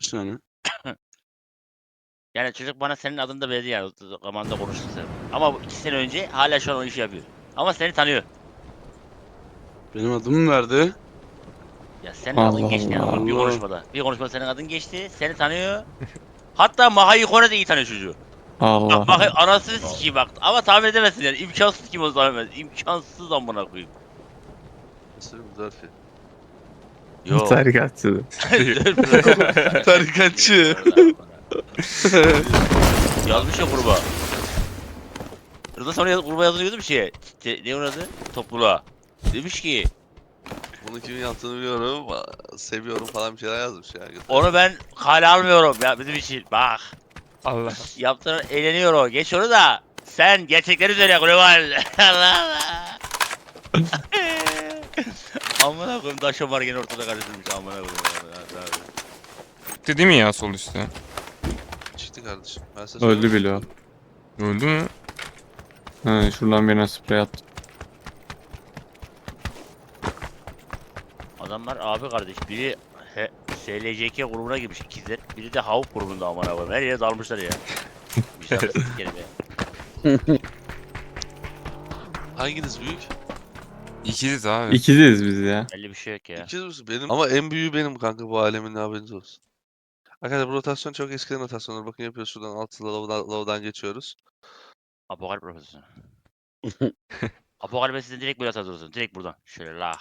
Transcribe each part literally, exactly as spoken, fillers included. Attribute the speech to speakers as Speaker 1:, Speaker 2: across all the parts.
Speaker 1: Yani.
Speaker 2: Yani çocuk bana senin adını da verdi yani. Zamanında konuştuk sen. Ama bu iki sene önce hala şu an o işi yapıyor. Ama seni tanıyor.
Speaker 1: Benim adımı verdi.
Speaker 2: Ya senin
Speaker 3: Allah
Speaker 2: adın geçti yani
Speaker 3: Allah.
Speaker 2: bir
Speaker 1: Allah.
Speaker 2: konuşmada. Bir konuşmada senin adın geçti. Seni tanıyor. Hatta Maha'yı Kore'de iyi tanıyor çocuğu.
Speaker 3: Allah
Speaker 2: Bak Maha
Speaker 3: Allah.
Speaker 2: anasını sikeyim bak. Ama tahmin edemezsin yani. İmkansız kim o zaman. İmkansız amına koyayım.
Speaker 4: Nasıl bir zarfi?
Speaker 2: Yo.
Speaker 3: Tarikatçı.
Speaker 1: Tarikatçı.
Speaker 2: Yazmış ya gruba. Rıza sonra yaz, gruba yazıyordu bir şeye. Te, ne onun adı? Topluluğa. Demiş ki
Speaker 4: Bunu kimin yaptığını biliyorum. Seviyorum falan bir şeyler yazmış ya.
Speaker 2: onu ben kale almıyorum ya bizim için. Bak.
Speaker 5: Allah.
Speaker 2: Yaptığın eğleniyor o. Geç onu da. Sen gerçekleri söyle global. Allah Allah. Amına koyayım taşa var gene ortada karıştırmış. Amına koyayım.
Speaker 5: Gitti değil mi ya sol üstte?
Speaker 4: Çıktı kardeşim. Ben size
Speaker 3: Öldü
Speaker 4: söyleyeyim.
Speaker 3: bile o.
Speaker 5: Öldü mü?
Speaker 3: Ha, şuradan birine sprey attım.
Speaker 2: Adamlar abi kardeş. Biri he, S L C K grubuna girmiş ikizler. Biri de Havuk grubunda amına koyayım. Her yere dalmışlar ya. Bir şey yapsın kelime.
Speaker 4: Hanginiz büyük?
Speaker 5: İkiziz abi.
Speaker 3: İkiziz biz ya.
Speaker 2: Belli bir şey yok ya.
Speaker 4: İkiz misin? Benim. Ama en büyüğü benim kanka bu alemin, haberiniz olsun. Arkadaşlar bu rotasyon çok eskiden rotasyonlar. Bakın yapıyoruz, şuradan altı lavdan, lavdan geçiyoruz.
Speaker 2: Apokalip profesörü. Apokalip'e sizden direkt böyle atıyorsun. Direkt buradan. Şöyle lah.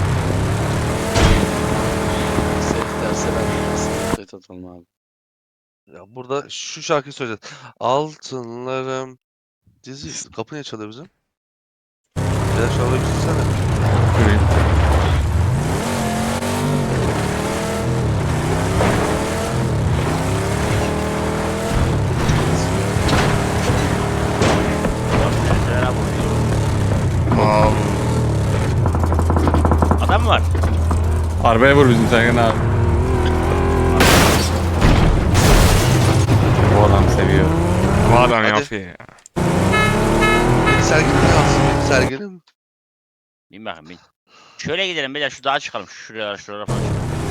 Speaker 1: Set derse ben set atalım abi.
Speaker 4: Ya burada şu şarkıyı söyleyeceğiz. Altınlarım. Dizi. Kapı niye çalıyor bizim? Ya şu arabayı bitirsene.
Speaker 3: Şurayı.
Speaker 5: Wow.
Speaker 2: Adam mı var?
Speaker 3: Arabaya vur bizim Sergen abi. Bu adam seviyor.
Speaker 5: Bu adam
Speaker 4: Hadi.
Speaker 5: yapıyor ya.
Speaker 4: Beni sergilim kalsın. Beni sergilim.
Speaker 2: Bin bakayım bin. Şöyle gidelim beyler şu dağa çıkalım. Şuraya şuraya falan.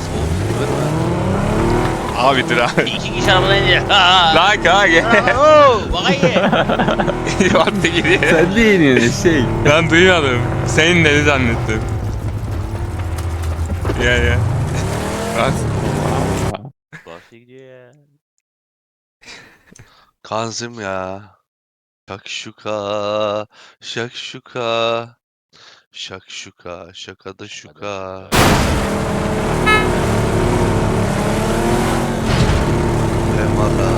Speaker 5: Abi dur abi.
Speaker 2: İki kişi arabadan indi. Ha.
Speaker 5: Lan kanka.
Speaker 2: Oo, bakayım.
Speaker 5: Yordu gidiyor.
Speaker 3: Sen de yeniyorsun şey.
Speaker 5: Ben duymadım. Senin dedi zannettim. Ya ya. Bas.
Speaker 2: Bahsi gidiyor ya.
Speaker 4: Kanzim ya. Şakşuka. Şakşuka. Şakşuka. Şakada şuka. Emara.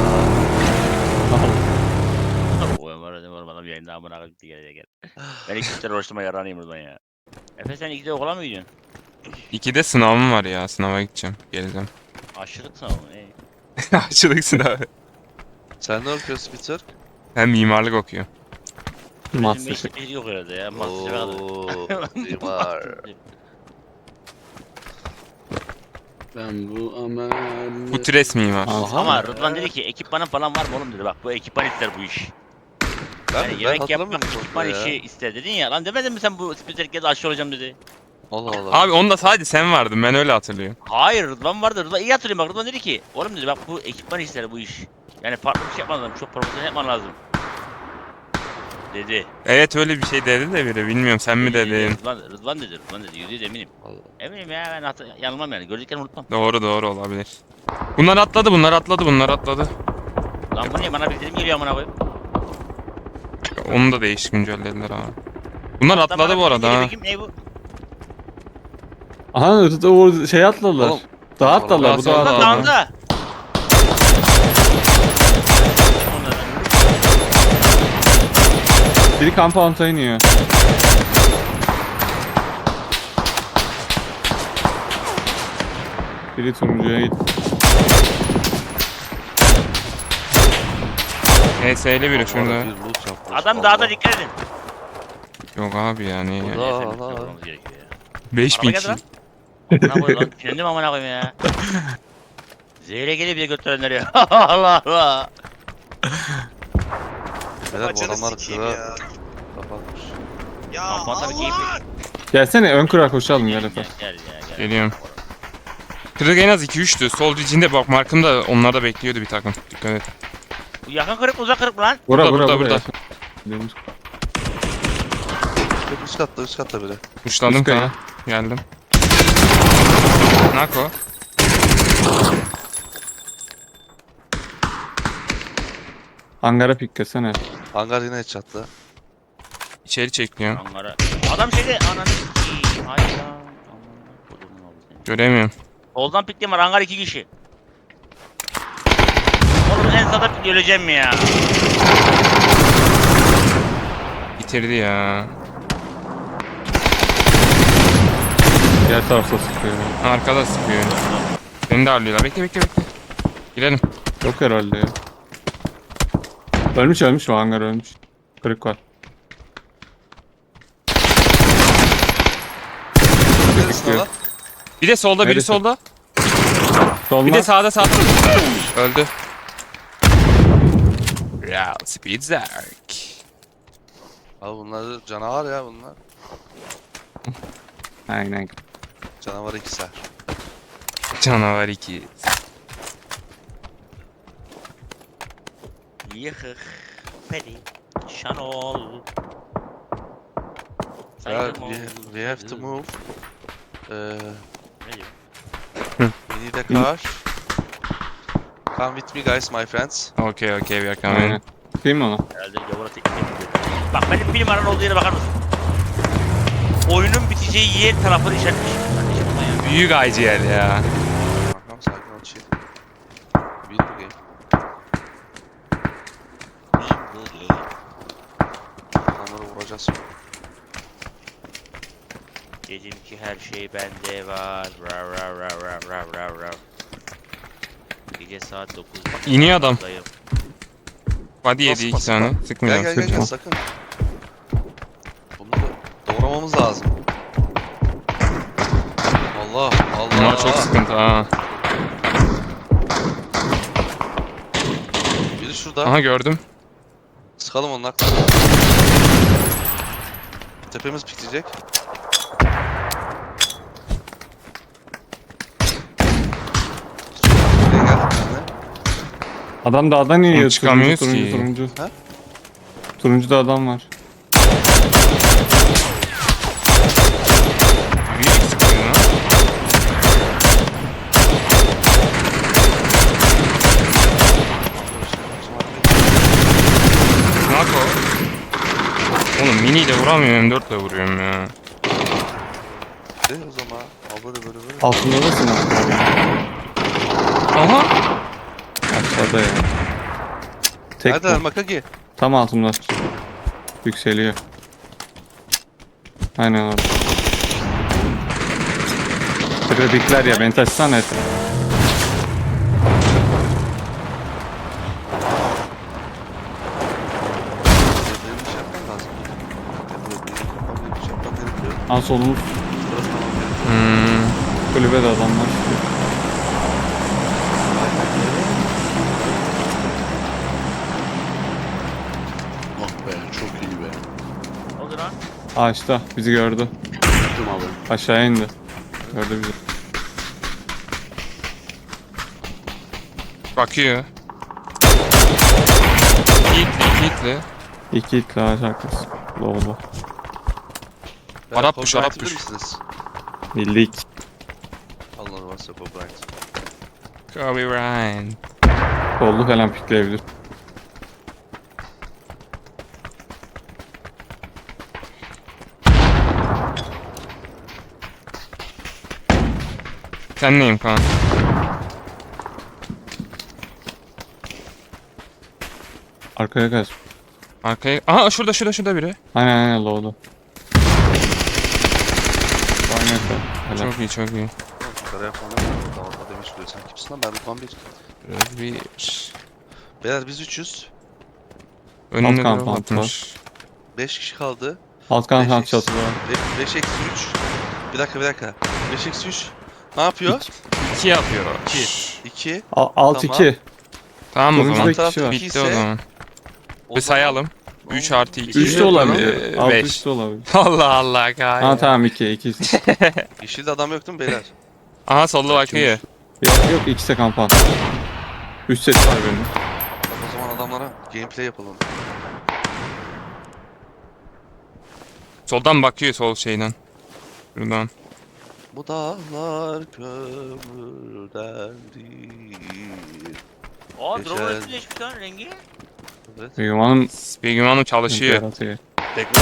Speaker 2: O Ömer ödem var bana bir yayında amına koyayım diye gel gel. Ben iki kişiler uğraştırma yaranayım buradan ya. Efe sen ikide okula mı gidiyorsun?
Speaker 5: İkide sınavım var ya. Sınava gideceğim. Geleceğim.
Speaker 2: Aşırılık sınavı mı? Ey.
Speaker 5: Açılık sınavı.
Speaker 4: Sen ne okuyorsun Peter?
Speaker 5: Ben mimarlık okuyorum.
Speaker 2: Bizim
Speaker 3: Master
Speaker 2: beşlik beşlik yok herhalde ya. Master kadar.
Speaker 4: Ooo. Mimar.
Speaker 1: Ben bu aman.
Speaker 5: Bu tres mimar.
Speaker 3: Aha.
Speaker 2: Ama Rıdvan dedi ki ekipmanın falan var mı oğlum dedi bak bu ekipman ister bu iş.
Speaker 4: Ben,
Speaker 2: Yani
Speaker 4: ben
Speaker 2: yemek
Speaker 4: hatırlamıyorum
Speaker 2: yapmak
Speaker 4: çok
Speaker 2: ekipman
Speaker 4: ya.
Speaker 2: işi ister dedin ya lan demedin mi sen bu spikerkede aşçı olacağım dedi.
Speaker 4: Allah Allah.
Speaker 5: Abi onda sadece sen vardın. Ben öyle hatırlıyorum.
Speaker 2: Hayır Rıdvan vardı Rıdvan iyi hatırlıyorum bak Rıdvan dedi ki oğlum dedi bak bu ekipman ister bu iş. Yani farklı bir şey yapman lazım çok profesyonel yapman lazım. Dedi.
Speaker 5: Evet öyle bir şey dedi de biri. Bilmiyorum sen mi
Speaker 2: Dedi, dedi.
Speaker 5: dedin?
Speaker 2: Rıdvan, Rıdvan dedi Rıdvan dedi yüzde yüz eminim.
Speaker 4: Allah.
Speaker 2: Eminim ya ben hatır, yanılmam yani gördüklerimi unutmam.
Speaker 5: Doğru doğru olabilir. Bunlar atladı, bunlar atladı, bunlar atladı.
Speaker 2: Lan bu niye bana bildirim geliyor amına koyayım.
Speaker 5: Onu da değişik güncellediler abi. Bunlar
Speaker 2: Adam
Speaker 5: atladı
Speaker 2: bana
Speaker 5: bu arada
Speaker 2: bildirim
Speaker 5: ha.
Speaker 2: geliyor, kim, ne bu?
Speaker 3: Aha o şey atladılar.
Speaker 4: Oğlum,
Speaker 3: Dağa atladılar bu
Speaker 5: Nasıl
Speaker 3: dağa
Speaker 5: oldu
Speaker 2: Lan
Speaker 5: abi?
Speaker 3: atladılar.
Speaker 2: dağında.
Speaker 3: Biri compound'a iniyor. Biri turuncuya gitti.
Speaker 5: H S'li biri
Speaker 4: Allah,
Speaker 5: şurada.
Speaker 4: bir loot yapmış.
Speaker 2: Adam
Speaker 4: Allah.
Speaker 2: dağda dikkat edin.
Speaker 5: Yok abi yani.
Speaker 4: Allah.
Speaker 2: Yani efendim,
Speaker 4: Allah.
Speaker 2: sormamız gerekiyor ya.
Speaker 5: beş bin
Speaker 2: Araba geldi lan.
Speaker 5: kişi.
Speaker 2: Amına koyayım lan. Kendim amına koyayım ya. Zehre geliyor bile götürenler ya. Allah Allah.
Speaker 4: Beyler bu
Speaker 6: Açanı
Speaker 4: adamlar
Speaker 6: sikeyim
Speaker 4: kıra
Speaker 6: ya.
Speaker 4: kapatmış.
Speaker 6: Ya
Speaker 2: Kampanta bir keyifli.
Speaker 6: Allah!
Speaker 3: Gelsene ön kura koşalım gel
Speaker 2: Gel
Speaker 3: Efe.
Speaker 2: gel gel. gel.
Speaker 5: Geliyorum. Kırık en az iki üçtü. Sol içinde bak markımda onlar da bekliyordu bir takım. Dikkat et.
Speaker 2: Bu yakın kırık mı uzak kırık mı lan?
Speaker 3: Bura
Speaker 5: Burada,
Speaker 3: bura
Speaker 5: burada,
Speaker 3: bura.
Speaker 5: burada.
Speaker 3: Deniz-
Speaker 4: Yok, üst katta üst katta biri.
Speaker 5: Kuşladım
Speaker 3: Üst kaya.
Speaker 5: sana. Geldim. Nako.
Speaker 3: Hangara piklesene.
Speaker 4: Hangar yine headshot'lı.
Speaker 5: İçeri çekliyor.
Speaker 2: Ankara. Adam şeyde ananı sikeyim. Hayda. Aman kodumun oğlu seni.
Speaker 5: Göremiyorum.
Speaker 2: Soldan pikli var. Hangar iki kişi. Oğlum en sağda pikli öleceğim mi ya?
Speaker 5: Bitirdi ya.
Speaker 3: Diğer tarafta sıkıyor.
Speaker 5: Arkada sıkıyor. Beni de ağırlıyorlar. Bekle bekle bekle. Girelim.
Speaker 3: Yok herhalde ya. Ölmüş ölmüş o hangar ölmüş. Kırık var.
Speaker 4: Neresin
Speaker 3: Bekliyor.
Speaker 4: lan?
Speaker 5: Bir de solda biri
Speaker 3: Neresi?
Speaker 5: solda.
Speaker 3: Solma.
Speaker 5: Bir de sağda sağda. Öldü. Real Speed Zark.
Speaker 4: Abi bunlar da canavar ya bunlar.
Speaker 3: Aynen.
Speaker 4: Canavar ikizler.
Speaker 5: Canavar iki.
Speaker 2: Yıkık. Peri. Şanol.
Speaker 4: Ya,
Speaker 2: Saydım
Speaker 4: we,
Speaker 2: oğlum.
Speaker 4: we have to move. Ee,
Speaker 2: Ne diyor?
Speaker 4: we need a car. Come with me guys, my friends.
Speaker 5: Okay okay we are
Speaker 3: Aynen.
Speaker 5: coming.
Speaker 3: Değil mi ona?
Speaker 2: Herhalde gavura teknik yapıyor. Bak benim bir numaranın olduğu yere bakar mısın? Oyunun biteceği yer tarafını işaretmiş. Kardeşim buna ya.
Speaker 5: Büyük I G L ya.
Speaker 4: Tamam sakin ol chill. Beat the game. Adamları vuracağız.
Speaker 2: Dedim ki her şey bende var. Rav rav rav rav rav rav rav. Gece saat dokuz.
Speaker 5: İniyor adam.
Speaker 2: Dayım.
Speaker 5: Body yedi
Speaker 4: Nasıl
Speaker 5: iki
Speaker 4: pas-
Speaker 5: tane.
Speaker 4: Gel
Speaker 5: Sıkmıyor.
Speaker 4: gel gel, gel
Speaker 3: sıkma.
Speaker 4: sakın. Bunu da doğramamız lazım. Allah Allah.
Speaker 5: Bunlar çok sıkıntı ha.
Speaker 4: Biri şurada.
Speaker 5: Aha gördüm.
Speaker 4: Sıkalım onun aklına. Tepemiz pikleyecek. Buraya gel. benimle.
Speaker 3: Adam dağdan iniyor. Turuncu
Speaker 5: çıkamıyoruz
Speaker 3: turuncu
Speaker 5: ki.
Speaker 3: turuncu.
Speaker 4: Ha?
Speaker 3: Turuncuda adam var.
Speaker 5: Büyük sıkıyor lan. Nako. Oğlum mini ile vuramıyorum, M dört ile vuruyorum ya.
Speaker 4: De o zaman. Al böyle böyle böyle.
Speaker 3: Altında da silah.
Speaker 5: Aha.
Speaker 3: Aşağıda ya. Tek
Speaker 4: Nerede
Speaker 3: bu.
Speaker 4: Makagi?
Speaker 3: Tam altımda. Yükseliyor. Aynen orada. Kredikler ya beni taşısana et.
Speaker 4: Benim bir şey yapmam lazım. Benim bir şey yapmam gerekiyor.
Speaker 3: An solumuz
Speaker 4: Burası tamam gerekiyor.
Speaker 5: Hmm.
Speaker 3: kulübede adamlar.
Speaker 1: Oh be çok iyi be.
Speaker 2: Ne oldu lan?
Speaker 3: Ağaçta bizi gördü.
Speaker 1: Tuttum abi.
Speaker 3: Aşağı indi. Gördü bizi.
Speaker 5: Bakıyor. Hitli, hitli.
Speaker 3: İki itle ağaç arkası. Low'da.
Speaker 4: Beyler,
Speaker 5: Arap push,
Speaker 4: Copyright
Speaker 5: Arap
Speaker 4: bilir
Speaker 5: push.
Speaker 4: misiniz?
Speaker 3: Bildik.
Speaker 4: Allah varsa copyright.
Speaker 5: Kobe Bryant.
Speaker 3: Kollu falan pikleyebilir.
Speaker 5: Sen neyim Kaan?
Speaker 3: Arkaya kaç.
Speaker 5: Arkaya... Aha şurada şurada şurada biri.
Speaker 3: Aynen aynen low'da. Aynen. Helal.
Speaker 5: Çok iyi çok iyi.
Speaker 4: Yukarıya falan dağılma demiş buraya. Sen kimsin lan? Ben Rıdvan bir.
Speaker 5: Özbir.
Speaker 4: Beyler biz üçüz.
Speaker 5: Önünde
Speaker 3: kamp,
Speaker 5: drop
Speaker 3: alt
Speaker 5: atmış.
Speaker 4: beş kişi kaldı.
Speaker 3: Alt kan
Speaker 4: Beş
Speaker 3: kan
Speaker 4: eksi-
Speaker 3: çatı var.
Speaker 4: beş eksi üç. Bir dakika bir dakika. beş eksi üç. Ne yapıyor?
Speaker 5: İki yapıyor.
Speaker 4: iki. iki.
Speaker 3: Al- Alt
Speaker 4: Tamam.
Speaker 3: iki.
Speaker 5: Tamam o
Speaker 3: Turuncuda
Speaker 5: zaman.
Speaker 3: iki kişi var.
Speaker 5: Bitti o zaman.
Speaker 4: O
Speaker 5: Bir
Speaker 4: zaman-
Speaker 5: sayalım. üç artı iki.
Speaker 3: Üç de
Speaker 4: Yok,
Speaker 3: olabilir.
Speaker 5: Ee,
Speaker 3: Alt
Speaker 5: beş.
Speaker 3: üç de olabilir.
Speaker 5: Allah Allah Kaan.
Speaker 3: Ha tamam iki iki.
Speaker 4: Yeşilde adam yok değil mi beyler?
Speaker 5: Aha solda bakıyor.
Speaker 3: Yok yok ikisi de kampa. Üç set var benim.
Speaker 4: O zaman adamlara gameplay yapalım.
Speaker 5: Soldan bakıyor sol şeyden. Buradan.
Speaker 4: Bu dağlar kömürden değil.
Speaker 2: Aa
Speaker 4: Geçen-
Speaker 2: drone etkileşmiş lan rengi.
Speaker 4: Evet.
Speaker 3: Begüm Hanım
Speaker 5: Begüm Hanım çalışıyor.
Speaker 3: yaratıyor.
Speaker 2: Bekle.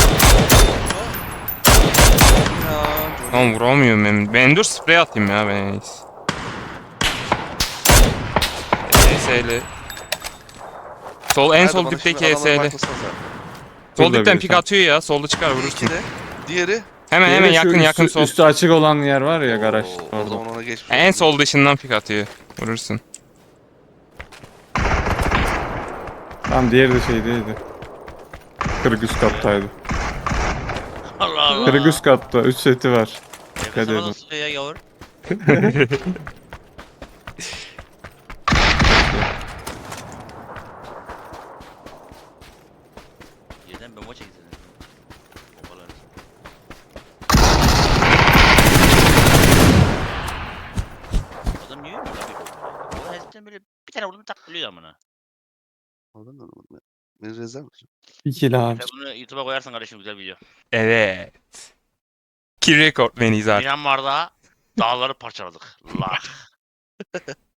Speaker 4: Ya,
Speaker 5: Tamam vuramıyorum ben. Ben dur sprey atayım ya ben en iyisi. E S L. Sol en
Speaker 4: Nerede
Speaker 5: sol
Speaker 4: bana
Speaker 5: dipteki
Speaker 4: şimdi adamların
Speaker 5: E S L.
Speaker 4: arkasına sen.
Speaker 5: Sol
Speaker 3: Burada
Speaker 5: dipten
Speaker 3: bir
Speaker 5: pik
Speaker 3: tane.
Speaker 5: atıyor ya. Solda çıkar vurursun.
Speaker 4: İki de. Diğeri.
Speaker 5: Hemen
Speaker 3: Diğeri
Speaker 5: hemen
Speaker 3: şu
Speaker 5: yakın
Speaker 3: üstü,
Speaker 5: yakın sol.
Speaker 3: Üstü açık olan yer var ya garaj.
Speaker 4: Oo, o
Speaker 3: Orada.
Speaker 4: zaman ona geçmiş.
Speaker 5: En
Speaker 4: olsun.
Speaker 5: sol dışından pik atıyor. Vurursun.
Speaker 3: Tamam diğeri de şeydeydi. Kırık üst kattaydı.
Speaker 2: Allah Allah.
Speaker 3: Kırık üst katta. Üç seti var.
Speaker 2: Yakasama
Speaker 3: edin.
Speaker 2: nasıl sıkıyor ya yavur? Yerden bomba çekilsin. Bombalar. Adam niye ölmüyor lan bir bomba? Ulan eskiden böyle bir tane vurdum tak ölüyor amına.
Speaker 4: Anladın mı? Beni rezil misin?
Speaker 3: İkili abi.
Speaker 2: Sen bunu YouTube'a koyarsan kardeşim güzel video.
Speaker 5: Evet. Kill record beniyiz artık.
Speaker 2: Myanmar'da dağları parçaladık. La.